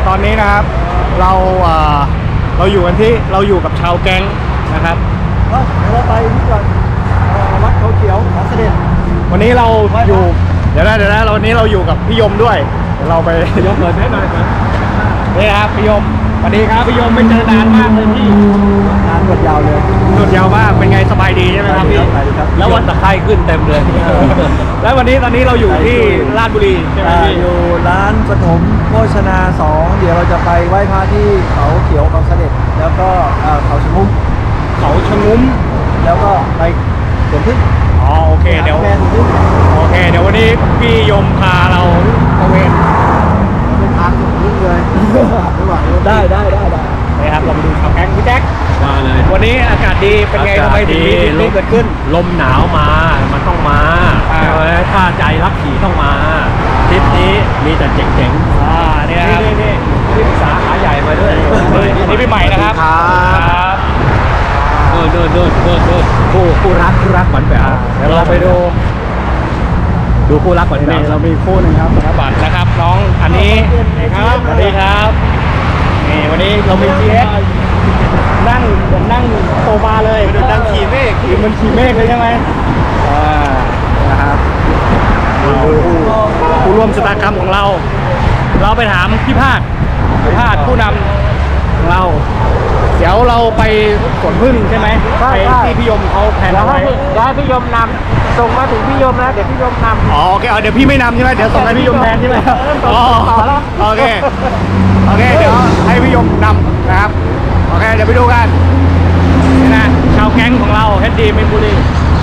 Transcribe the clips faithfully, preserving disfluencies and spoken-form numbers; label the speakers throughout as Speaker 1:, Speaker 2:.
Speaker 1: ตอนนี้นะครับเราเอ่อเราอยู่กันที่เราอยู่กับชาวแก๊งนะครับ
Speaker 2: เดี๋ยวเราไปนี่ก่อนวัดเขาเขียวขอเสด็จ
Speaker 1: วันนี้เราอยู่เดี๋ยวนะเดี๋ยวนะเราวันนี้เราอยู่กับพี่ยมด้วยเดี๋ยวเราไป
Speaker 2: ยกเปิดให้หน่อยก่อน
Speaker 1: นี่ครับพี่ยมสวัสดีครับพี่ยมไม่เจอนานมากเลยพี่
Speaker 2: งานหมดยาวเลย
Speaker 1: หยุดยาวมากเป็นไงสบายดีใช่ไหมครับพี่
Speaker 2: แล้ววันตะไคร้ขึ้นเต็มเลย
Speaker 1: แล้ววันนี้ตอนนี้เราอยู่ที่ราชบุรีใช่ไหมพี่
Speaker 2: อยู่ร้านปฐมโภชนาสองเดี๋ยวเราจะไปไหว้พระที่เขาเขียวเขาเสด็จแล้วก็เขาชะงุ้ม
Speaker 1: เขาชะงุ้ม
Speaker 2: แล้วก็ไปสวนพึ่ง
Speaker 1: อ๋อโอเคเดี๋ยว
Speaker 2: แม่สวนพึ่ง
Speaker 1: โอเคเดี๋ยววันนี้พี่ยมพาเราตระเวน
Speaker 2: เป็นทางสวนพึ่งเลยได้ได้ได้ได้
Speaker 1: นะครับเราไปดูชาวแก๊งพี่แจ็ค
Speaker 3: มาเลย
Speaker 1: วันนี้อากาศดีเป็นไงทำไมถึงมีทริปนี้เกิดขึ้น
Speaker 3: ลมหนาวมา มันต้องมา
Speaker 1: อ่า
Speaker 3: ถ้าใจรักขี่ต้องมาทริปนี้มีแต่เจ๋ง
Speaker 1: อ่าเนี่ย
Speaker 3: ๆ
Speaker 1: ครับ
Speaker 3: นี่นี่ที่ปรึกษาขาใหญ่มาด้วย
Speaker 1: อันนี้พี่ใหม่นะครับ
Speaker 2: ครับ
Speaker 3: เดินเดินเดินเดินเดินคู่คู่รักคู่รักหวานแหวว
Speaker 1: เดี๋ยวเราไปดู
Speaker 3: ดูคู่รักหวานแหว
Speaker 1: นี่
Speaker 3: ว
Speaker 1: เรามีคู่หนึ่งครับธนบัตรนะครับน้องอันนี้ครับสวัสดีครับนี่วันนี้เรามี จี เอ็กซ์ นั่งเหมือนนั่งโซฟาเลยเหมือนนั่งขี่เมฆเหมือนขี่เมฆเลยใช่ไหมอ่านะครับผู้ผู้ร่วมชะตากรรมของเรา เราไปถามพี่พาดพี่พาดผู้นำของเรา เดี๋ยวเราไปสวนพึ่งใช่ไหมไปที่พี่ยมเขาแผนเอาไว้
Speaker 2: ได้พี่ยมนำส่งมาถึงพี่ยมแล้วเดี๋ยวพี่ยมนำ
Speaker 1: อ๋อโอเคเอาเดี๋ยวพี่ไม่นำใช่ไหมเดี๋ยวส่งให้พี่ยมแทนใช่ไหมอ๋อโอเคโอเคเดี๋ยวให้พี่ยมนำนะครับโอเคเดี๋ยวไปดูกันนี่นะชาวแก๊งของเราเฮดดีมินบุรี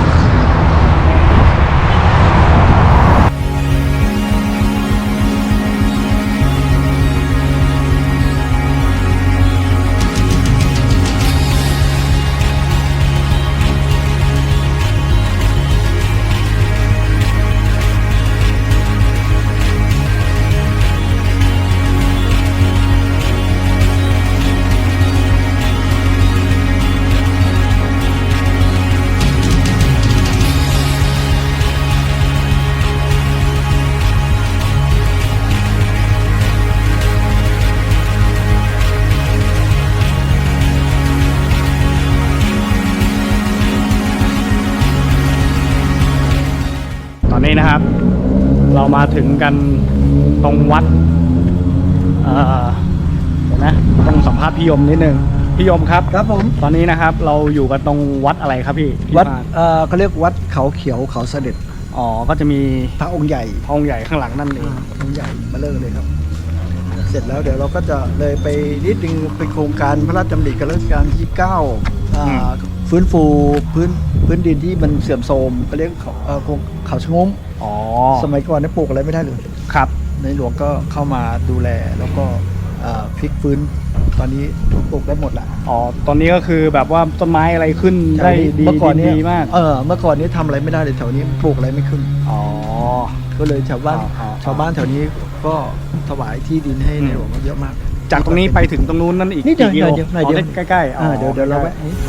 Speaker 1: ตอนนี้นะครับ เรามาถึงกันตรงวัดเอ่อเดี๋ยวนะต้องสัมภาษณ์พี่ยมนิดนึงพี่ยมครับ
Speaker 2: ครับผม
Speaker 1: ตอนนี้นะครับเราอยู่กันตรงวัดอะไรครับพี่พี่
Speaker 2: วัด
Speaker 1: พา
Speaker 2: เอ่อเขาเรียกวัดเขาเขียวเขาเสด็จ
Speaker 1: อ๋อก็จะมี
Speaker 2: พระองค์ใหญ่
Speaker 1: พระองค์ใหญ่ข้างหลังนั่นเอง
Speaker 2: องค์ใหญ่มาเลิกเลยครับ เสร็จแล้วเดี๋ยวเราก็จะเลยไปนิดนึงเป็นโครงการพระราชดำริกับรัชกาลที่เก้าอ่าฟื้นฟูพื้นพื้นดินที่มันเสื่อมโทรมก็เรียกเขาเอ่อโครงเขาชะงม
Speaker 1: อ๋อ
Speaker 2: สมัยก่อนเนี่ยปลูกอะไรไม่ได้เลย
Speaker 1: ครับ
Speaker 2: ในหลวงก็เข้ามาดูแลแล้วก็อ่าพลิกฟื้นตอนนี้ปลูกได้หมดละ
Speaker 1: อ๋อตอนนี้ก็คือแบบว่าต้นไม้อะไรขึ้นได้ดี
Speaker 2: เมื่อก่อน
Speaker 1: ดี
Speaker 2: เนี่ย
Speaker 1: ดีมาก
Speaker 2: เออเมื่อก่อนนี้ทำอะไรไม่ได้เลยแถวนี้ปลูกอะไรไม่ขึ้น
Speaker 1: อ๋อ
Speaker 2: ก็เลยชาวบ้าน
Speaker 1: อ๋ออ๋อ
Speaker 2: ชาวบ้านแถวนี้ก็ถวายที่ดินให้
Speaker 1: อืม
Speaker 2: ในหลวงเยอะมาก
Speaker 1: จากตรงนี้ไปถึงตรงนู้นนั่นอีก
Speaker 2: นี่เดี๋ยว
Speaker 1: กี่กิโล
Speaker 2: เดี๋ยวเดี๋ยว
Speaker 1: อ๋อ
Speaker 2: เดี๋ยว
Speaker 1: ใกล้ๆอ๋อ
Speaker 2: อ่าเดี๋ยวเดี๋ยวเรา
Speaker 1: ใก
Speaker 2: แวะ
Speaker 1: ล้
Speaker 2: นี้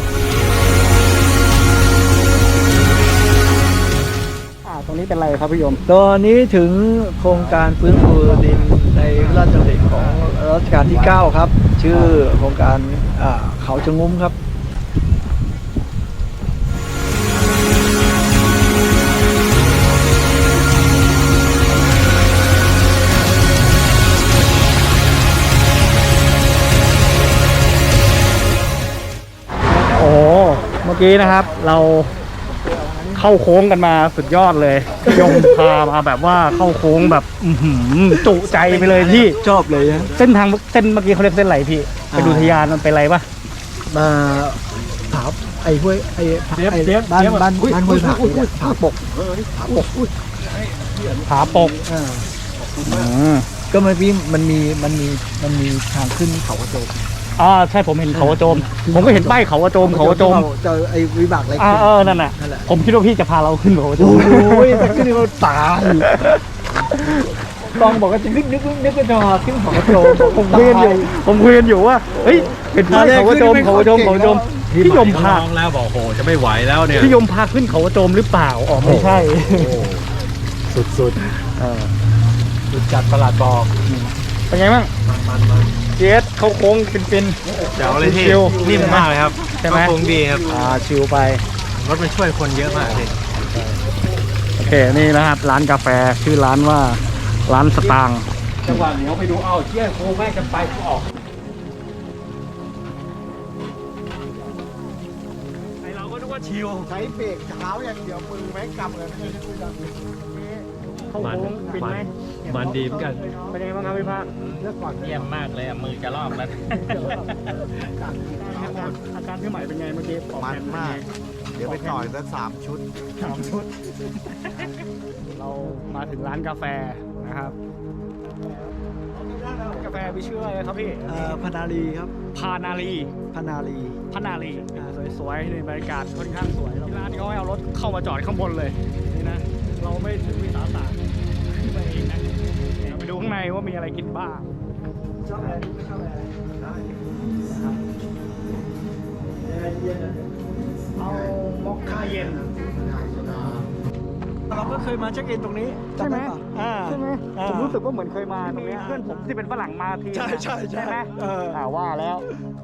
Speaker 1: ๆอ่าตรงนี้เป็นอะไรครับพี่ยม
Speaker 2: ตอนนี้ถึงโครงการฟื้นฟูดินในพระราชดำริของรัชกาลที่เก้าครับ ชื่อโครงการอ่าเขาชะงุ้มครับ
Speaker 1: โอ้โหเมื่อกี้นะครับ เราเข้าโค้งกันมาสุดยอดเลยพี่ยมพามาแบบว่าเข้าโค้งแบบอื้อหือจุใจไปเลยพี่
Speaker 2: ชอบเลยฮะ
Speaker 1: เส้นทางเส้นเมื่อกี้เขาเรียกเส้นอะไรพี่ไปดูทะยานมันเป็นอะไรปะ
Speaker 2: มาผาไอ้ห้วยไอ้ผา
Speaker 1: เดี๋ยว
Speaker 2: ไอ้
Speaker 1: เดี๋ยว
Speaker 2: บ้าน
Speaker 1: เดี๋ยว
Speaker 2: บ้าน
Speaker 1: อุ๊ย
Speaker 2: บ้านห้วยผา
Speaker 1: อุ๊ยอุ๊ย
Speaker 2: ผาปกผาปก
Speaker 1: ผาปก
Speaker 2: อ่า
Speaker 1: อืม
Speaker 2: ก็มันมีมันมีมันมีมันมีทางขึ้นเขากระโจม
Speaker 1: อ่าใช่ผมเห็นเขากระโจม ผมก็เห็นป้ายเขากระโจมเขากระโจม
Speaker 2: เจอไอ้วิบากอะไร
Speaker 1: อ่า
Speaker 2: ขึ้น
Speaker 1: เออนั่นน่ะ
Speaker 2: นั่นแหละ
Speaker 1: ผมคิดว่าพี่จะพาเราขึ้นเขากระโจ
Speaker 2: โอ้
Speaker 1: ม
Speaker 2: ยแต่ขึ้นเขาตายต้องบอกว่าจะนึกนึกนึกก็จะขึ้นเขากระโจม
Speaker 1: ผมคุยกันอยู่ผมคุยกันอยู่ว่าเฮ้ยเห็นป้ายเขากระโจมเขากระโจมเขากระโจมพี่ยมพา
Speaker 3: น้องแล้วบอกโหจะไม่ไหวแล้วเนี่ย
Speaker 1: พี่ยมพาขึ้นเขากระโจมหรือเปล่าอ๋อไม่ใช่
Speaker 3: สุดสุด
Speaker 1: เออ
Speaker 3: สุดจัดประหลาดบอก
Speaker 1: เป็นไงบ้างเจสเข้าโค้งฟินๆ
Speaker 3: เดี๋ยวเลยที่
Speaker 1: ชิล
Speaker 3: นิ่มมากเลยครับ
Speaker 1: ใช่ไหม
Speaker 3: คงดีครับ
Speaker 1: อ่าชิลไป
Speaker 3: รถมันช่วยคนเยอะมากเลย
Speaker 1: โอเค นี่นะครับร้านกาแฟชื่อร้านว่าร้านสตางค์จังหวะเหนียวไปดูเอาเชี่ยโค้งแม่กันไปกูออกไอเราก็นึกว่าชิล
Speaker 2: ใช้เบรกเท้าอย่างเดียวมือแม่งกำเลย
Speaker 1: เข้าโค้งฟินไหม
Speaker 3: มันดีเหมือนกัน
Speaker 1: เป็นยังไงบ้างครับพี่ภาค
Speaker 2: เลือกก่อน
Speaker 3: เยี่ยมมากเลยอ่ะมือจะลอกแล้ว
Speaker 1: อาการอาการพี่ใหม่เป็นไงเมื่อกี้ออก
Speaker 2: มัน
Speaker 1: แผ
Speaker 2: มาก เดี๋ยวไปต่อยสักสามชุด
Speaker 1: สามชุด เรามาถึงร้านกาแฟนะครับกาแฟมีชื่ออะไรครับพี่
Speaker 2: เอ่อพนาลีครับ
Speaker 1: พานาลี
Speaker 2: พนาลี
Speaker 1: พนาลีอ่าสวยๆในบรรยากาศค่อนข้างสวยที่ร้านนี้เขาให้เอารถเข้ามาจอดข้างบนเลยนี่นะเราไม่ถึงวิสาสะขึ้นไปเองนะเดี๋ยวไปดูข้างในว่ามีอะไรกินบ้าง
Speaker 2: ชอบอะไรไม่ชอบอะไรได้นะครับเย็น
Speaker 1: เอามอคค่าเย็น
Speaker 2: เราก็เคยมาเช็คอินตรงนี้
Speaker 1: ใช่ไหม
Speaker 2: จำด้ปะอ่า
Speaker 1: ใช่ไหม
Speaker 2: อ่า
Speaker 1: ผมรู้สึกว่าเหมือนเคยมาตรงเนี้ยเพื่อนผมที่เป็นฝรั่งมาที
Speaker 2: ใช่ใช่ใช่
Speaker 1: ไหม
Speaker 2: เออ
Speaker 1: อ่าว่าแล้ว